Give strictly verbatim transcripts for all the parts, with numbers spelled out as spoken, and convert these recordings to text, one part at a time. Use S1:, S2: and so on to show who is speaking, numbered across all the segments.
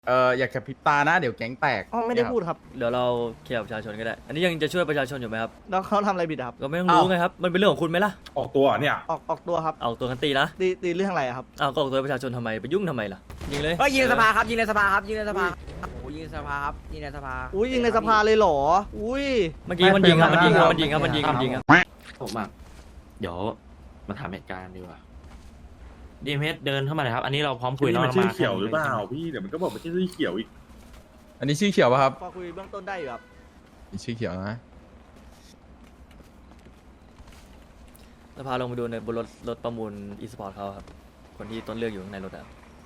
S1: เอออยากกระพริบตานะเดี๋ยวแก๊งแตก
S2: อ๋อไม่ได้พูดครับ
S3: เดี๋ยวเราเคลียร์กับประชาชนก็ได้ อันนี้ยังจะช่วยประชาชนอยู่ไหมครับ
S2: แล้วเขาทำอะไรผิดอะครับ
S3: ก็ไม่ต้องรู้ไงครับ มันเป็นเรื่องของคุณไหมล่ะ
S4: ออกตัวเหรอเนี่ย
S2: ออกออกตัวครับ
S3: เอาตัวกันตีนะ
S2: ตีตีเรื่องอะไรอะครับ
S3: เอาก็ออกตัวประชาชนทำไมไปยุ่งทำไมล่ะ ยิงเลย
S5: ก็ยิงในสภาครับยิงในสภาครับยิงในสภาโอ้โหยิงในสภาครับยิงในสภา
S2: อุ้ยยิงในสภาเลยเหรอ อุ้ย
S3: เมื่อกี้มันยิงครับ มันยิงครับ มันยิงครับ มันยิงมันยิงครับ
S6: ผมอ่ะเดี๋ยวมาถามเหตุการณ์ดีกว่าดีเมสเดินเข้ามาเลยครับ อันนี้เราพร้อมคุย
S4: นี่
S6: แล้ว
S4: มัน
S6: เรา
S4: ชื่อ
S6: มา
S4: เขียวหรือเปล่าพี่เดี๋ยวมันก็บอกมันชื่อเขียวอีก
S1: อันนี้ชื่อเขียวป่ะครับ
S2: พอคุยเบื้องต้นได้อยู่ครับ
S1: นี่ชื่อเขียวนะ
S3: สภาลงไปดูในบนรถรถประมูลอีสปอร์ตเขาครับ คนที่ต้นเรื่องอยู่ข้างในรถอะ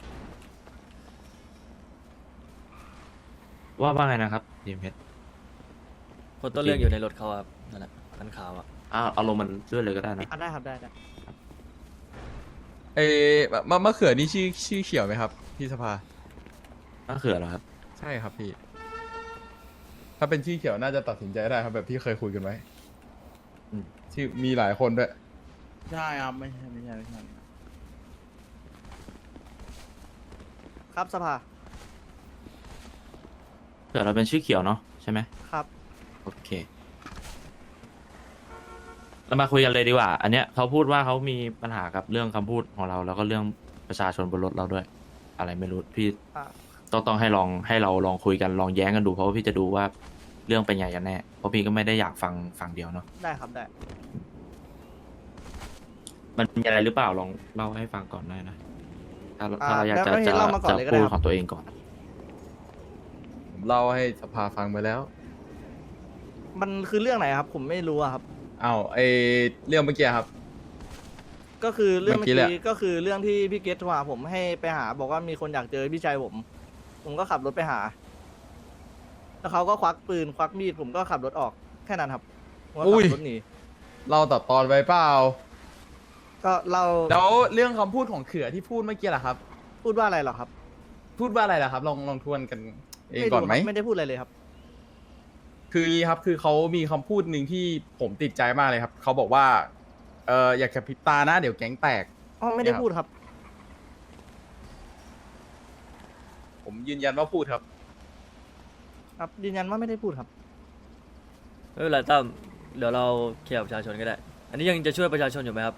S6: ว่าว่าไงนะครับดีเมส
S3: คนต้นเรื่องอยู่ในรถเขาครับ นั่นแหละคันขาวอะ
S6: อ้าวเอาลงมันด้วยเลยก็ได้นะ
S2: อ่ะได้ครับได้ได้
S1: เอมะมะเขือนี่ชื่อชื่อเขียวไหมครับพี่สภา
S6: มะเขือเหรอครับ
S1: ใช่ครับพี่ ถ้าเป็นชื่อเขียวน่าจะตัดสินใจได้ครับแบบที่เคยคุยกันไว้
S6: อืม
S1: ชื่อมีหลายคนด้วย
S2: ใช่ครับไม่ใช่ไม่ใช่ไม่ใช่ครับสภา
S6: เขือเราเป็นชื่อเขียวเนาะใช่ไหม
S2: ครับ
S6: โอเคเรามาคุยกันเลยดีกว่า อันเนี้ยเขาพูดว่าเขามีปัญหากับเรื่องคำพูดของเราแล้วก็เรื่องประชาชนบนรถเราด้วย อะไรไม่รู้พี่
S2: อ่ะ
S6: ต้องต้องให้ลองให้เราลองคุยกันลองแย้งกันดูเพราะว่าพี่จะดูว่าเรื่องเป็นไงกันแน่เพราะพี่ก็ไม่ได้อยากฟังฝั่งเดียวเนาะ
S2: ได้ครับได้
S6: มันมีอะไรหรือเปล่าลองเล่าให้ฟังก่อนได้นะถ้า
S2: อ่า
S6: ถ้าเราอยากจะ
S2: แล้วให้
S6: จะ
S2: เล่ามาก่อน
S6: จะ
S2: เลยก็
S6: พู
S2: ได้
S6: ด
S2: ครับ
S6: ของตัวเองก่อน
S1: ผมเล่าให้สภาฟังไปแล้ว
S2: มันคือเรื่องไหนครับ ผมไม่รู้อะครับ
S1: อ้าวไอเรื่องเมื่อกี้ครับ
S2: ก็คือเรื่อง
S1: เมื่
S2: เมื่
S1: อ
S2: อ
S1: กี้แหละ
S2: กี้ก็คือเรื่องที่พี่เกตโทรหาผมให้ไปหา บอกว่ามีคนอยากเจอพี่ชายผม ผมก็ขับรถไปหา แล้วเขาก็ควักปืนควักมีดผมก็ขับรถออกแค่นั้นครับผมก็
S1: อุ้ย
S2: ขับรถหนี
S1: เราตัดตอนไปเปล่า
S2: ก็เรา
S1: แล้วเรื่องคำพูดของเขือที่พูดเมื่อกี้ล่ะครับ
S2: พูดว่าอะไรเหรอครับ
S1: พูดว่าอะไรล่ะครับ ลองลองทวนกันเอง
S2: รู้
S1: ก่อนไหม
S2: ครับไม่ได้พูดอะไรเลยครับ
S1: คืออย่างนี้ครับ คือเขามีคำพูดหนึ่งที่ผมติดใจมากเลยครับ เขาบอกว่า เอออยากกระพริบตานะเดี๋ยวแก๊งแตก
S2: อ๋อไม่ได้พูดครับ
S1: ผมยืนยันว่าพูดครับ
S2: ครับยืนยันว่าไม่ได้พูดครับ
S3: ไม่เป็นไรตั้มเดี๋ยวเราเคลียร์กับประชาชนก็ได้ อันนี้ยังจะช่วยประชาชนอยู่ไหมครับ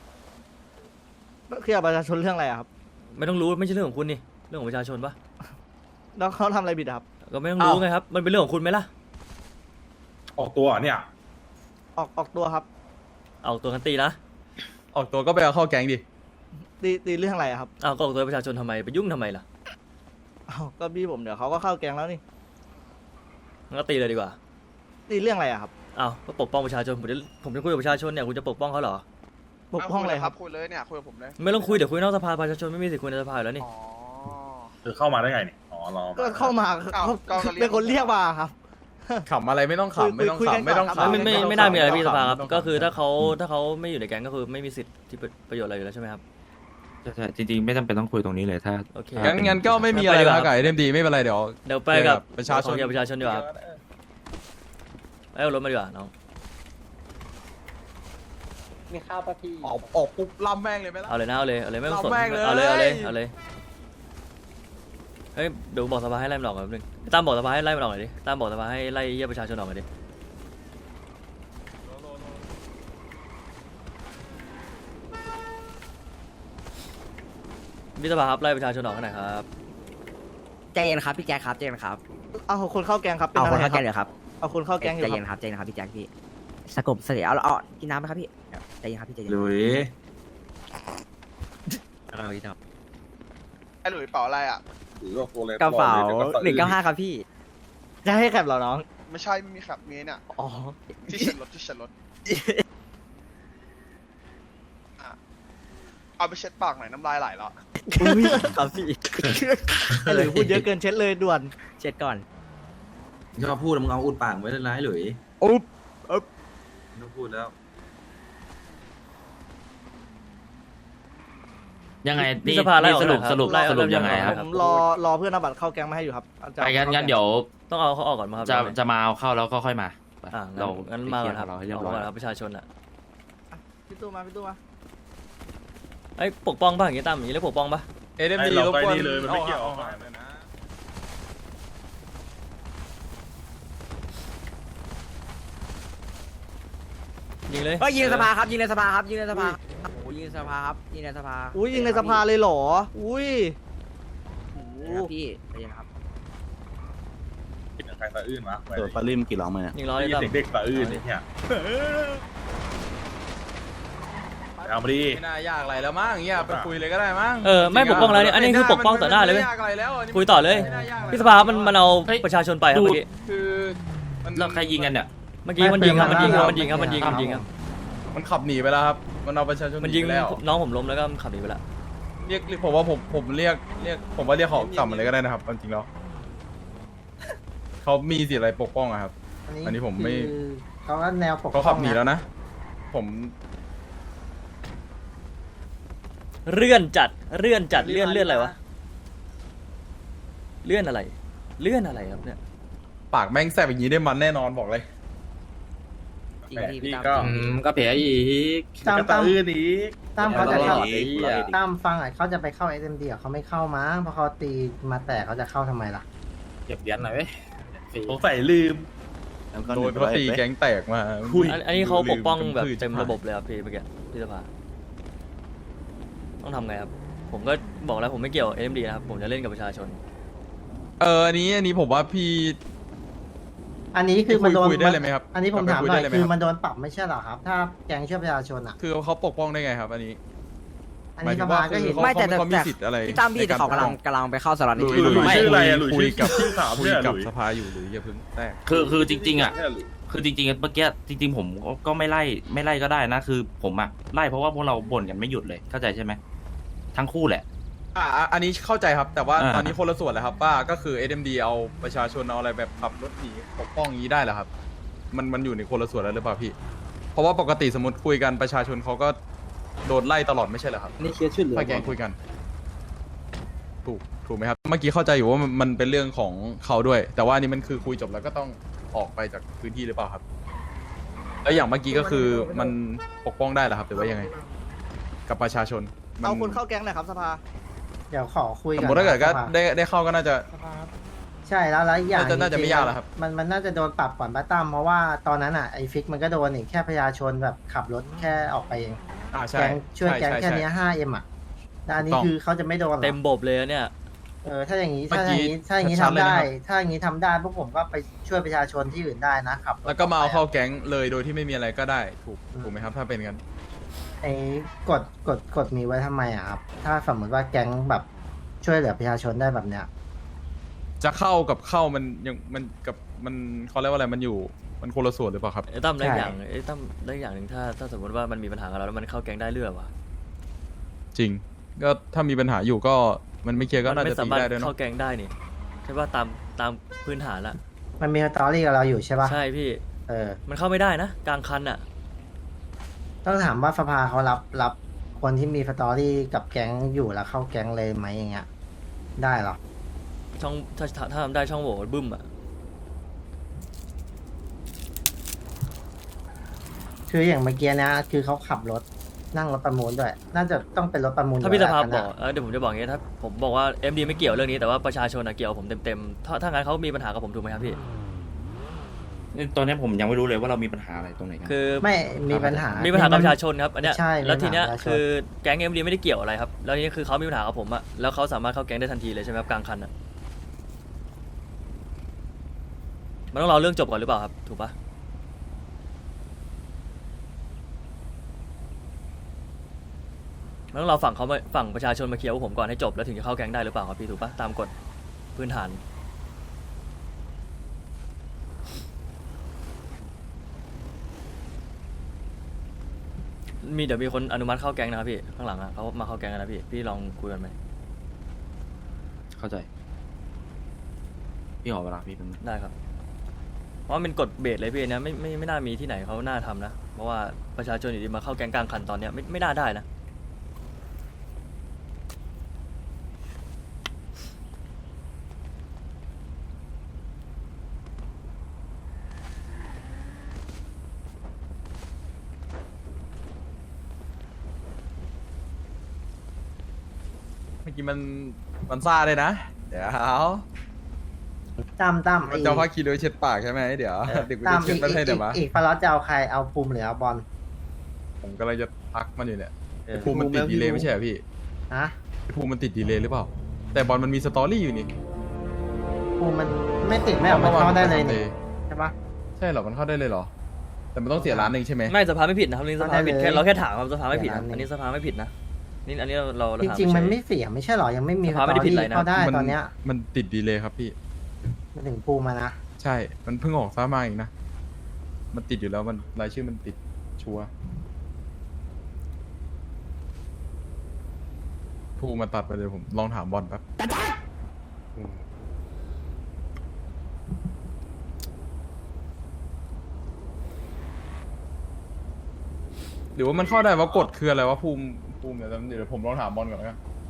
S2: เคลียร์ประชาชนเรื่องอะไรอะครับ
S3: ไม่ต้องรู้ไม่ใช่เรื่องของคุณนี่ เรื่องของประชาชนปะ
S2: แล้วเขาทำอะไรผิดอะครับ
S3: ก็ไม่ต้องรู้
S1: อ้าว
S3: ไงครับ มันเป็นเรื่องของคุณไหมล่ะ
S4: ออกตัวเหรอเนี่ย
S2: ออกออกตัวครับ
S3: เอาตัวกันตีนะ
S1: ออกตัวก็ไปเอาเข้าแก๊งดิ
S2: ตีตีเรื่องอะไรอะครับ
S3: เอาก็ออกตัวประชาชนทำไมไปยุ่งทำไมล่ะ
S2: อ้าวก็พี่ผมเดี๋ยวเขาก็เข้าแกงแล้วนี่
S3: งั้นก็ตีเลยดีกว่า
S2: ตีเรื่องอะไรอะครับ
S3: เอาก็ปกป้องประชาชน ผมจะผมจะคุยกับประชาชนเนี่ย คุณจะปกป้องเขาเหรอ
S2: ปกป้องอะไรครับ
S7: คุยเลยเนี่ยคุยกับผมเลย
S3: ไม่ต้องคุย เดี๋ยวคุยนอกสภา ประชาชนไม่มีสิทธิ์คุยในสภาอยู่แล้วนี่
S7: อ๋อ
S4: เธอเข้ามาได้ไงเนี่ยอ๋อรอ
S2: ก็เข้ามา
S7: อ้าว
S2: เขา
S7: ก็ก็เรียก
S2: เป็นคนเรียกมาครับ
S1: ขำอะไรไม่ต้อง
S2: คุย
S1: ขำไม่ต้อง
S2: คุยกัน
S1: ขำไม่ต้อง
S2: ก่อนครับ
S1: ขำ
S3: ไม่ไม่
S1: ต้อง
S3: ไม่น่ามีอะไร
S1: ขำ
S3: พี่สภาครับ
S1: ไม่ต้อง
S3: ก็คือ
S1: ขำ
S3: ถ้าเขาถ้าเขาไม่อยู่ในแก๊งก็คือไม่มีสิทธิ์ที่ประโยชน์อะไรอยู่แล้วใช่ไหมครับ
S6: ใช่ใช่จริงๆไม่จำเป็นต้องคุยตรงนี้เลยถ้า
S3: โอเค
S1: งั้นงั้นก็ไม่มีอะไร
S3: ไปดีก
S1: แล้
S3: ว่า
S1: วไก่เดมดีไม่เป็นไรเดี๋ยว
S3: เดี๋ยวไปกับ
S1: ประชาชน
S3: ขอเคลียร์ประชาชนดีกว่าครับเอารถมาดีกว่าน้อง
S5: มีข้าวปะพี่
S1: ออกออกปุ๊บล่ำแม่งเลยไหมล่ะ
S3: เอาเลยนะเอาเลยเอาเลยไม่ต้องสน
S1: เอาแม่งเลย
S3: เอาเลยเอาเลยเอาเลยเฮ้ยเดี๋ยวบอกสภาให้ไล่มันออกก่อนแป๊บนึงตามบอกสภาให้ไล่มันออกหน่อยดิตามบอกสภาให้ไล่เยี่ยประชาชนออกหน่อยดิพี่สภาครับไล่ประชาชนออกให้หน่อยครับ
S5: ใจเย็นครับพี่แจ็คครับใจเย็นครับ
S2: เอาคนเข้าแกงครับเป็น
S5: เอา
S2: อะ
S5: คน
S2: ไร
S5: เข้า
S2: ค
S5: แก
S2: รับ
S5: งเดี๋ยวครับ
S2: เอาคนเข้าแกงอยู่
S5: ใจ
S2: ค
S5: เย็
S2: รับ
S5: นครับใจเย็นครับพี่แจ็คพี่สกบเสียเอาเอากินน้ำไหมครับพี่ใจเย็นครับพี่ใจเย็น
S6: หลุย
S5: เอาพี่ครับ
S7: ไอ้หลุยเป๋าอะไรอ่ะ
S4: หรือว่าโฟเลส
S5: กระเป๋า
S4: บอลลย
S5: หนึ่งเก้าห้าครับพี่
S2: จะให้แคปเหรอน้อง
S7: ไม่ใช่ไม่มีขับมีเนี่ย
S2: อ๋อ
S7: ที่เช็ดรถที่เช็ดรถอ่ะเอาไปเช็ดปากหน่อยน้ำลายไหลแล้ว
S2: อุ้ย
S5: ครับพี่
S2: ไอ้หรือพูดเยอะเกินเช็ดเลยด่วน
S5: เช็ดก่อน
S8: ชอบพูดมึงเอาอุดปากไว้เลยนะไอ้หลุย
S2: อุ๊บอุ๊บ
S8: ไม่ต้องพูดแล้ว
S6: ยังไง
S3: พี่
S6: นี่
S3: สภาไล่
S6: นี่
S3: ออก
S6: สรุป
S3: หน่อยครับ
S6: สรุป
S3: ไล่
S6: สรุป
S3: เริ่ม
S6: ยังไง
S3: ยังไง
S6: ครับ
S2: ผมรอรอเพื่อนเอาบัตรเข้าแกงมาให้อยู่ครับอาจาร
S6: ไปงั้นงั้นเดี๋ยว
S3: ต้องเอาเขาออกก่อนมาครับ
S6: จะ
S3: เอาเลย
S6: จะมาเอาเข้าแล้วก็ค่อยมาไป
S3: อ่า
S6: เรา
S3: งั้นมาก่อนครับ
S6: เราให้เรียบ
S3: เอา
S6: ร้อย
S3: ก่อนครับประชาชนอ่ะ
S2: พี่ตู้มาพี่ตู้มา
S3: ไอ้ยปกป้องป่ะอย่างงี้ตามอย่างงี้เรียกปกป้องป่ะ
S1: เอเดม
S4: ไอ้
S1: ดี
S4: เรา
S1: รบ
S4: ไป
S1: กวน
S4: นี่เลยมันไม่เกี่ยว
S1: อา
S4: เอา
S1: อา
S4: มาเลยนะ
S3: ยิงเลย
S5: เฮ้ยยิงในสภาครับยิงในสภาครับยิงในสภาโอ้โหยิงในสภาครับยิงในสภา
S2: อุ้ยยิงในสภาเลยเหรอ อุ้ยโอ้โห
S5: ครับพี่ใจเย็นครับ
S4: กินกับใครสะอื้นวะ
S9: เออปาริมกี่ร้องมาเนี่ย
S3: ยิงล้อ
S4: ได้
S3: เลย
S4: ยิน
S3: ตั้ม
S4: เสียงเด็กสะอื้นเนี่ยเอามาดิ
S1: ไม่น่ายากอะไรแล้วมั้งเงี้ยไปคุยเลยก็ได้มั้ง
S3: เออไม่ปกป้องแล้วเนี่ยอันนี้คือปกป้องต่อหน้าเลยเว้ย
S1: ไม่ยากอะไรแล้วนนี้
S3: คุยต่อเลย
S1: ไม่น่ายากอะไร
S3: พี่สภามันมันเอาประชาชนไปครับเมื่อกี้
S1: คือมัน
S6: แล้วใครยิงกันเนี่ย
S3: เมื่อกี้มันยิงครับมันยิงครับมันยิงครับมันยิงมันยิงครับ
S1: มันขับหนีไปแล้วครับ มันเอาประชาชนห
S3: มันยิง
S1: ไปแล้ว
S3: น้องผมล้มแล้วก็ขับหนีไปแล้ว
S1: เรียกเรียกผมว่าผมผมเรียกเรียกผมว่าเรียกเขากลับมาเลยก็ได้นะครับจริงๆแล้วเขามีสิทธิ์อะไรปกป้องอะครับ อันนี้ผมไม่
S10: เขาก็แนวปก
S1: เขาขับหนีแล้วนะ ผม
S3: เลื่อนจัดเลื่อนจัดเลื่อนเลื่อนอะไรวะเลื่อนอะไร เลื่อนอะไรครับเนี่ย
S1: ปากแม่งแสบอย่างนี้ได้มันแน่นอนบอกเลย
S5: จริงพี่
S4: พี่
S5: ตาม
S4: ก็
S6: อืมก็เผียอีก
S10: ตาม
S4: ก็
S10: ตา
S4: สะ
S10: ม
S4: อื้นอีก
S10: ตามเขาจะเข้า
S6: ตลอดเลยเหี้ย
S10: ตามฟังอ่ะเขาจะไปเข้าเอ็มดีเขาไม่เข้ามั้งเพราะเขาตีมาแต่เขาจะเข้าทำไมล่ะ
S6: เก็บเหรียญหน่อยเว้ยฟรี
S4: สงสัยลืม
S9: แล้วก็
S1: โดนเขาตีแก๊งแตกมา
S4: คุย
S3: อันอันนี้เขาปกป้องแบบ
S1: ลื
S3: เต็มระบบเลยครับพี่เมื่อกี้พี่สภาต้องทำไงครับ ผมก็บอกแล้วผมไม่เกี่ยวเอ็มดีนะครับผมจะเล่นกับประชาชน
S1: เอออันนี้อันนี้ผมว่าพี่
S10: อันนี้คือมันโดน
S1: คุยได้เลยไหมครับ
S10: อันนี้ผมถาม
S1: คุย
S10: หน่
S1: ได้
S10: อย
S1: เลยไหม
S10: คือ
S1: ครับ
S10: มันโดนปรับไม่ใช่เหรอครับ ถ้าแกงช่วยประชาชนอ่ะ
S1: คือเขาปกป้องได้ไงครับ อันนี้
S10: อันนี้สภาก็เห็น
S1: หมายถึงว่า
S5: ไม่แต่แต่
S1: เขามี
S5: แต่
S1: สิทธิ์อะไร
S5: พี่ตามพี่แต่เขากำลังกำลังไปเข้าสล็อต
S4: หลุย
S5: นี้
S4: หลุย
S5: ไม่
S4: ชื่ออะไรอะหลุย
S1: คุย
S4: ชื่อ
S1: กับ
S4: ชื่อสาว
S1: คุย
S4: เนี่ย
S1: กับ
S4: หลุย
S1: สภาอยู่หรืออย่าเพิ่งแตก
S6: คือคือจริงๆอ่ะ
S4: เนี่ยหลุย
S6: คือจริงๆเมื่อกี้จริง ๆ ผมก็ไม่ไล่ไม่ไล่ก็ได้นะ คือผมอะไล่เพราะว่าพวกเราบ่นกันไม่หยุดเลยเข้าใจใช่ไหมทั้งคู่แหละ
S1: อ่าอันนี้เข้าใจครับ แต่ว่า
S6: อ่า
S1: ตอนนี้คนละส่วนแล้วครับว่าก็คือ เอ็ม ดี เอาประชาชนเอาอะไรแบบขับรถหนีปกป้องอย่างนี้ได้เหรอครับ มันมันอยู่ในคนละส่วนแล้วหรือเปล่าพี่ เพราะว่าปกติสมมติคุยกันประชาชนเขาก็โดนไล่ตลอดไม่ใช่เหรอครับ
S9: นี่เคสช่วยเหลือ
S1: ถ้าแกงคุยกัน ถูกถูกไหมครับ เมื่อกี้เข้าใจอยู่ว่ามันมันเป็นเรื่องของเขาด้วย แต่ว่าอันนี้มันคือคุยจบแล้วก็ต้องออกไปจากพื้นที่หรือเปล่าครับ แล้วอย่างเมื่อกี้ก็คือมันปกป้องได้เหรอครับหรือว่ายังไง กับประชาชนมั
S2: เอาคนเข้าแก๊งหน่อยครับสภา
S10: เดี๋ยวขอคุย
S1: ส
S10: กั
S1: ม
S10: น
S1: มติถ้าเกิดก็
S10: สภา
S1: ได้ได้เข้าก็น่าจะ
S10: ใช่แล้วแล้วอีกอย่าง
S1: น่าจะน่าจะไม่ยากแล้วครับ
S10: มันมันน่าจะโดนปรับก่อนป้าตั้มเพราะว่าตอนนั้นอ่ะไอ้ฟิกมันก็โดนอีกแค่ประชาชนแบบขับรถแค่ออกไปเอง
S1: อ่าใช่
S10: แก๊งช่วย
S1: ใช่
S10: แก๊ง
S1: ใช่
S10: แค่
S1: ใช่
S10: เนี้ห้าเอ็มอ่ะแล้วอันนี้
S1: ถูกต้อง
S10: คือเขาจะไม่โดนหรอ
S3: เต็มบบเลยอะเนี่ย
S10: เออถ้าอย่างนี้
S1: เมื่
S10: ถ้า
S1: อ
S10: อ
S1: กี้
S10: ย่างนี้ถ้าอย่างนี้
S1: ชัด
S10: ทำ
S1: ๆเลย
S10: ได้
S1: นะครับ
S10: ถ้าอย่างนี้ทำได้พวกผมก็ไปช่วยประชาชนที่อื่นได้นะครับ
S1: แล้วก็มาเอาเข้าแก๊งเลยโดยที่ไม่มีอะไรก็ได้ถูกถูกไหมครับ ถ้าเป็นกัน
S10: ไอ้กฎกฎกฎมีไว้ทำไมอ่ะครับถ้าสมมติว่าแก๊งแบบช่วยเหลือประชาชนได้แบบเนี้ย
S1: จะเข้ากับเข้ามันยังมันกับมันเขาเรียกว่าอะไรมันอยู่มันคนละส่วนหรือเปล่าครับ
S3: ไอ้ตั้มได้
S10: ใช่
S3: อย่างไอ้ตั้มได้อย่างหนึ่งถ้าถ้าสมมติว่ามันมีปัญหากับเราแล้วมันเข้าแก๊งได้เรื่อวะ
S1: จริง ก็ถ้ามีปัญหาอยู่ก็มันไม่เคลียร์ก็
S3: มั
S1: น่า
S3: ไม่
S1: จะ
S3: สา
S1: ตี
S3: มารถ
S1: ได้ด้วย
S3: เข้า
S1: เนาะ
S3: แก๊งได้นี่ใช่ป่ะตามตามพื้นฐานละ
S10: มันมีสตอรี่กับเราอยู่ใช่ปะ
S3: ใช่พี่
S10: เออ
S3: มันเข้าไม่ได้นะกลางคันอะ
S10: ต้องถามว่าสภาเขารับรับคนที่มีสตอรี่กับแก๊งอยู่แล้วเข้าแก๊งเลยไหมอย่างเงี้ยได้เหรอ
S3: ช่องถ้าถ้าถ้าทำได้ช่องโหว่บึ้มอะ
S10: คืออย่างเมื่อกี้นะคือเขาขับรถนั่งรถประมูลด้วย น่าจะต้องเป็นรถประมูล
S3: ถ้าพี่สภาพ
S10: ยู่
S3: บ
S10: แล้ว
S3: อก
S10: นะ
S3: เออเดี๋ยวผมจะบอกอย่างงี้ถ้าผมบอกว่าเอ็มดีไม่เกี่ยวเรื่องนี้แต่ว่าประชาชนอะเกี่ยวผมเต็มๆถ้าถ้างั้นเขามีปัญหากับผมถูกไหมครับพี่
S6: นี่ตอนนี้ผมยังไม่รู้เลยว่าเรามีปัญหาอะไรตรงไหนกัน
S3: คือ
S10: ไม่มีปัญหา
S3: มีปัญหากับประชาชนครับอันเนี้ย
S10: ใช่
S3: แล้วทีเนี้ย
S10: มีปัญหากับประชาชน
S3: คือแก๊งเอ็มดีไม่ได้เกี่ยวอะไรครับแล้วทีนี้คือเขามีปัญหากับผมอะแล้วเขาสามารถเข้าแก๊งได้ทันทีเลยใช่ไหมครับกลางคันอะมันต้องรอเรื่องจบก่อนหรือเปล่าครับถูกปะมันต้องรอฝั่งเขามาฝั่งประชาชนมาเคลียร์กับผมก่อนให้จบแล้วถึงจะเข้าแก๊งได้หรือเปล่าครับพี่ถูกปะตามกฎพื้นฐานมีเดี๋ยวมีคนอนุมัติเข้าแก๊งนะครับพี่ข้างหลังอะเขามาเข้าแก๊งกันนะพี่พี่ลองคุยกันไหม
S6: เข้าใจพี่ขอเวลาพี่เป็น
S3: ได้ครับ เพราะมันเป็นกฎเบสเลยพี่นะไม่ไม่ไม่น่ามีที่ไหนเขาน่าทำนะ เพราะว่าประชาชนอยู่ดีมาเข้าแก๊งกลางคันตอนเนี้ยไม่ไม่น่าได้นะ
S1: เมื่อกี้มันมันซ่าเลยนะ เดี๋ยว
S10: ตั้มตั้ม
S1: มันจะเอาผ้าคีโดยเช็ดปากใช่ไหมเดี๋ยว
S10: เออ
S1: เด็กกู
S10: ตั้
S1: จะ
S10: ม
S1: เช็
S10: อี
S1: ด
S10: ก
S1: ประเท
S10: อี
S1: ศ
S10: ก
S1: เดี๋ยว
S10: อีก
S1: วะ
S10: อีกฟลอตจะเอาใครเอาภูมิหรือเอาบอล
S1: ผมกำลังจะทักมันอยู่เนี่ย
S10: เอ
S1: ไอ้
S10: อ
S1: ภูมิมันติดดีเลย์ไม่ใช่เหรอพี่
S10: ฮะ
S1: ไอ้ภูมิมันติดดีเลย์หรือเปล่า แต่บอลมันมีสตอรี่อยู่นี่
S10: ภูมิมันไม่ติดไม่ออกมันเข้าได้เลยนี่ใช่ปะ
S1: ใช่เหรอมันเข้าได้เลยเหรอ แต่มันต้องเสียล้านหนึ่งใช่ไหม
S3: ไม่สภาไม่ผิดนะครับนี่สภาไม่ผิด
S10: ได้เลย
S3: แค่เราแค่ถามครับสภาไม่ผิด
S10: เดี๋
S3: นะ
S10: ยวนะ
S3: อันนี้สภาไม่ผิดนะนี่อันนี้เราเราเรา
S10: จ
S3: ถาม
S10: ริง ๆ มัน
S3: เฉย
S10: ไม่เสียไม่ใช่หรอยังไม่มี
S3: สภาไม่ได้ผิดอะไรนะ
S10: เข้าได้
S1: มั
S10: ตอนเนี้ย
S1: มันติดดีเลย์ครับพี่
S10: มาถึงภูมิมานะ
S1: ใช่ มันเพิ่งออกซ้ามาเองนะ มันติดอยู่แล้วมันรายชื่อมันติดชัวร์ภูมิมาตัดไปเลยผมลองถามบอลแป๊บอืมหรือว่ามันเข้าได้ว่ากฎคืออะไรวะภูมิภูมิเดี๋ยวเดี๋ยวผมลองถามบอลก่อนแล้วกัน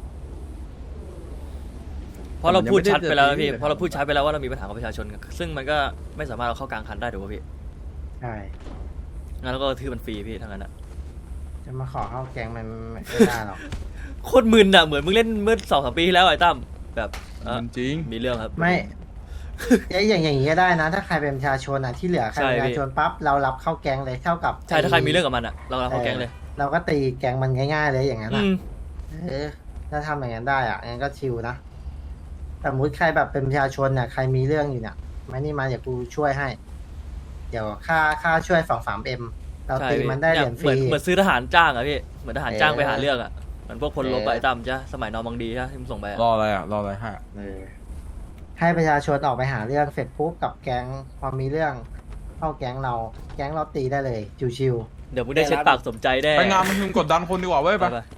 S3: เพราะเราพูดชัดไปแล้วนะพี่
S1: มันยังไม่ได้เจอ
S3: เพราะเราพูดชัดไปแล้วว่าเรามีปัญหากับประชาชน ซึ่งมันก็ไม่สามารถเอาเข้ากลางคันได้ถูกป่ะพี่
S10: ใช่
S3: งั้นเราก็ทื่อมันฟรีพี่ทั้งนั้นอะ
S10: จะมาขอเข้าแก๊งมันไม่ได้หรอก
S3: โคตรมึนอะเหมือนมึงเล่นเมื่อสองสามปีที่แล้วไอ้ตั้มแบบเอ่อ
S1: มันจริง
S3: มีเรื่องครับ
S10: ไม่เอ๊ะอย่างอย่างนี้ก็ได้นะ ถ้าใครเป็นประชาชนอ่ะที่เหลือใครเป็นประชาชนปั๊บเรารับเข้าแก๊งเลยเท่ากับ
S3: ใช่ถ้าใครมีเรื่องกับมันอะเราเราเข้าแก๊งเลย
S10: เราก็ตีแก๊งมันง่ายๆเลยอย่างนั้น
S3: อื
S10: อ่ะ
S3: ม
S10: เออถ้าทำอย่างนั้นได้อ่ะงั้นก็ชิลนะสมมติใครแบบเป็นประชาชนเนี่ยใครมีเรื่องอยู่เนี่ยมานี่มาเดี๋ยวกูช่วยให้ เดี๋ยวค่าค่าช่วยสองสามเอ็มเรา
S3: ใช่
S10: ตี
S3: พี่
S10: มันได้เหรียญฟ
S3: เหมื
S10: รี
S3: อนเหมือนซื้อทหารจ้างอะพี่เหมือนทหารจ้าง
S10: เออ
S3: ไปหาเรื่องอะเหมือนพวกพลรบ
S10: เออ
S3: อะไอ้ตั้มจ้ะสมัยนอร์มังดีใช่ที่มึงส่งไปอะ
S1: รออะไรอ่ะ รออะไรฮะ
S10: เออให้ประชาชนออกไปหาเรื่องเสร็จปุ๊บกับแก๊งพอมีเรื่องเข้าแก๊งเรา แก๊งเราตีได้เลยชิว
S3: เดี๋ยวมึงได้เช็ดปากสมใจแน่
S1: ไปงานมันคือกดดันคนดีกว่าเว้ยไป
S3: ไป